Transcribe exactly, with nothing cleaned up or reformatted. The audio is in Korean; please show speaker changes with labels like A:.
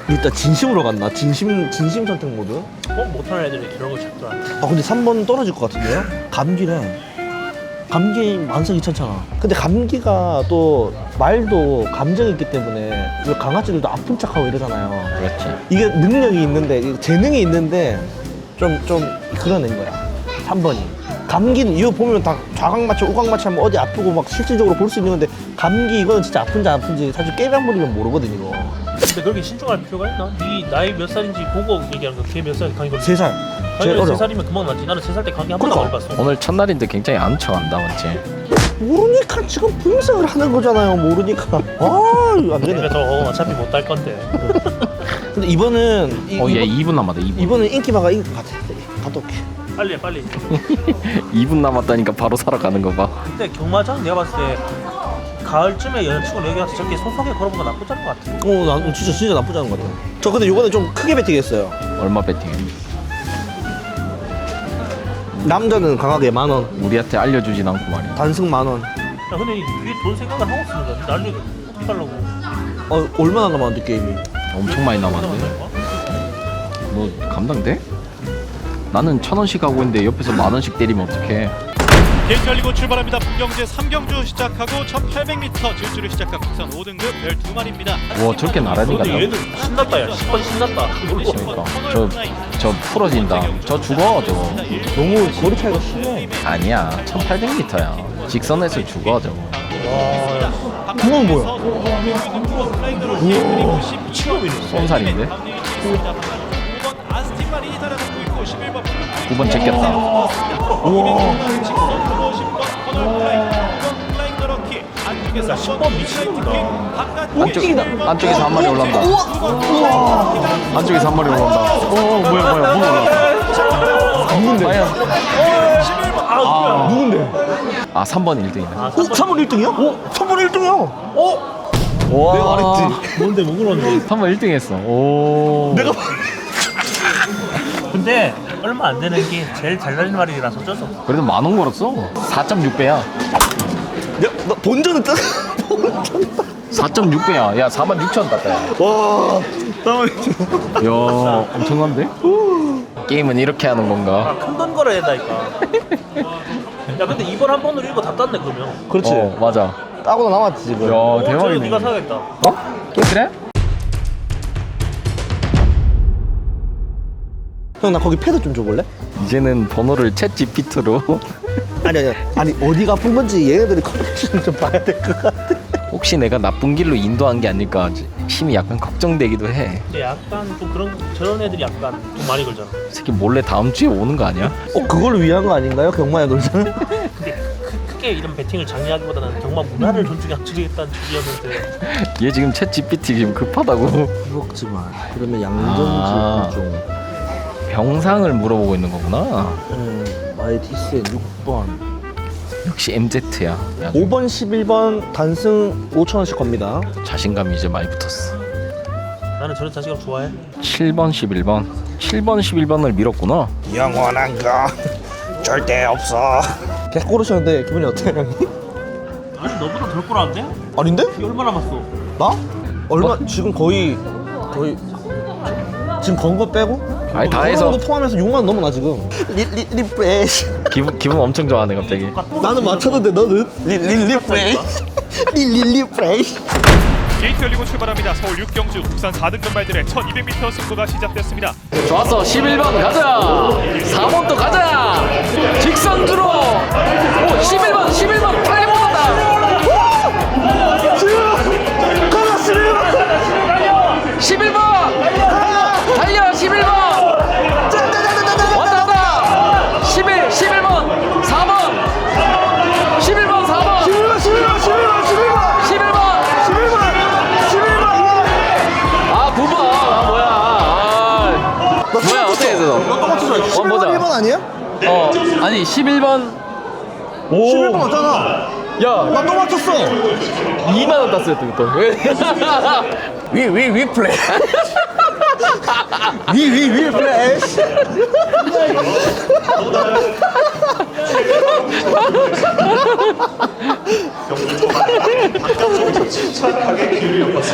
A: 일단 진심으로 갔나? 진심 진심 선택 모드?
B: 어? 못하는 애들이 이런 거 잡더라.
A: 아 근데 삼 번 떨어질 것 같은데요? 감기래. 감기 만성이천잖아. 근데 감기가 또 말도 감정이 있기 때문에 왜 강아지들도 아픈 척하고 이러잖아요.
C: 그렇지.
A: 이게 능력이 있는데 이게 재능이 있는데 좀 좀 그런 애인 거야. 삼 번이. 감기는 이거 보면 다 좌각 맞춰 우각 맞춰 하면 어디 아프고 막 실질적으로 볼 수 있는 건데 감기 이거는 진짜 아픈지 안 아픈지 사실 깨병 부리면 모르거든 이거.
B: 근데 그렇게 신중할 필요가 있나? 네 나이 몇 살인지 보고 얘기하는 거. 걔 몇 살 감기 걸려?
A: 세 살. 제일
B: 아니
A: 어려.
B: 세 살이면 금방 낫지. 나는 세 살 때 감기 한 번도 안
A: 그러니까.
B: 걸렸어.
C: 오늘 첫날인데 굉장히 안 척한다 맞지?
A: 모르니까 지금 분석을 하는 거잖아요. 모르니까. 아, 이거 안 되네.
B: 그래서 어, 어차피 못 딸 건데.
A: 근데 이번은 이,
C: 어얘
A: 이번,
C: 이 분 남았다 이 분.
A: 이번은 인기마가 이길 것 같아. 갔다 올게.
B: 빨리 해, 빨리.
C: 이 분 남았다니까 바로 사러 가는 거 봐.
B: 근데 경마장 내가 봤을 때 가을쯤에 여자친구를 여기 와서 저렇게 소소하게 걸어보는 건 나쁘지 않은 것 같아.
A: 어, 나 진짜 진짜 나쁘지 않은 것 같아. 저 근데 요거는 좀 크게 베팅했어요.
C: 얼마 배팅?
A: 남자는 강하게 만 원,
C: 우리한테 알려주진 않고 말이야.
A: 단승 만 원.
B: 야 근데 뒤에 돈 생각을 하고 쓰는 거야. 나중에 어떻게 하려고?
A: 어, 얼마나 남았는데 게임이?
C: 엄청 많이 남았는데. 너 감당돼? 나는 천 원씩 하고 있는데 옆에서 만 원씩 때리면 어떡해?
D: 게임 열리고 출발합니다. 분경제 삼 경주 시작하고 천팔백 미터 질주를 시작한 국산 오 등급 열두 마리입니다.
C: 와 저렇게 나란히가
B: 근데
C: 나.
B: 얘는 신났다 야. 십 번 신났다.
C: 그러니까 저, 저 풀어진다. 저 죽어 저거.
A: 너무 거리 차이가 심해.
C: 아니야 천팔백 미터야. 직선에서 죽어 저거.
A: 그건 뭐야?
C: 쏜살인데? 구 번 제꼈다.
B: 야 십 번 미치겠다.
C: 안쪽, 안쪽에서 한 마리 올라온다. 안쪽에서 한 마리 올라온다. 어 뭐야 뭐야 뭐 올라.
A: 누군데?
C: 과연
B: 아,
A: 누군데?
C: 아 삼 번 일 등이네.
B: 아,
A: 어? 삼 번 일 등이야? 어? 삼 번 일 등이야? 어?
C: 와
A: 내가 말했지.
B: 뭔데 뭐 그런데?
C: 삼 번 일 등 했어. 오.
A: 내가
B: 근데 얼마 안 되는 게 제일 잘 달리는 말이라서 어쩔 수 없어.
C: 그래도 만 원 걸었어. 사 점 육 배야.
A: 내가 나 본전은 뜨.
C: 사 점 육 배야. 야 사만 육천 땄다. 야.
A: 와. 다음에
C: 야 엄청난데? 게임은 이렇게 하는 건가?
B: 아, 큰 돈 걸어야 된다니까. 야 근데 이번 한 번으로 이거 다 땄네 그러면.
A: 그렇지.
C: 어 맞아.
A: 따고 남았지 지금.
C: 야
B: 어, 저거
C: 대박이네.
B: 네가 사야겠다.
C: 어? 그래?
A: 형 나 거기 패드 좀 줘볼래?
C: 이제는 번호를 챗 지피티로
A: 아니 아니 아니 어디가 아픈 건지 얘네들이 컨디션 좀 봐야 될 것 같아.
C: 혹시 내가 나쁜 길로 인도한 게 아닐까 심히 약간 걱정되기도 해.
B: 근데 약간 좀 그런 저런 애들이 약간 돈 많이 걸잖아.
C: 이 새끼 몰래 다음 주에 오는 거 아니야?
A: 어 그걸 위한 거 아닌가요? 경마에 놀자는?
B: 근데 크, 크게 이런 베팅을 장려하기보다는 경마 문화를 존중하겠다는 주의였는데.
C: 얘 지금 챗 지피티 지금 급하다고.
A: 먹지 마. 그러면
C: 아.
A: 양전지 좀.
C: 병상을 물어보고 있는 거구나.
A: 음, 마이티스의 육 번.
C: 역시 엠제트야.
A: 오 번, 십일 번 단승 오천 원씩 겁니다.
C: 자신감이 이제 많이 붙었어.
B: 나는 저런 자식을 좋아해.
C: 칠 번, 십일 번. 칠 번, 십일 번을 밀었구나.
A: 영원한 거 절대 없어. 백 고르셨는데 기분이 어때요, 형님?
B: 아니 너보다 덜 꼬라는데?
A: 아닌데?
B: 이 얼마 남았어?
A: 나? 얼마?
C: 뭐?
A: 지금 거의 거의 지금 건 거 빼고?
C: 아니 다 해서
A: 거 포함해서 육만 원 넘어 나 지금. 리, 리, 리프레시.
C: 기분 기분 엄청 좋아하네 갑자기.
A: 나는 맞췄는데 너는? 리, 리, 리프레시. 리, 리, 리프레시.
D: 게이트 열리고 출발합니다. 서울 육 경주 국산 사 등급 말들의 천이백 미터 승부가 시작됐습니다.
C: 좋았어. 십일 번 가자. 사 번도 가자. 직선 주로. 오 십일 번, 십일 번 빨리 못한다.
A: 가자, 십일 번.
C: 십일 번. 달려 십일 번. 왔다 왔다. 십일, 십일 번. 사 번. 십일 번, 사 번.
A: 십일 번, 십일 번, 십일 번, 십일 번.
C: 십일 번.
A: 십일 번, 십일 번.
C: 아 구 번. 아 뭐야. 아. 뭐야 어떻게 했어?
A: 너 똑같이 줘. 십일
C: 보자.
A: 번, 일 번 아니야?
C: 어 아니 십일 번. 오.
A: 십일 번 맞잖아.
C: 야
A: 나 또 맞췄어.
C: 이만 원 땄어요 또.
A: 위, 위, 위 플레이. 위, 위, 위 플래시.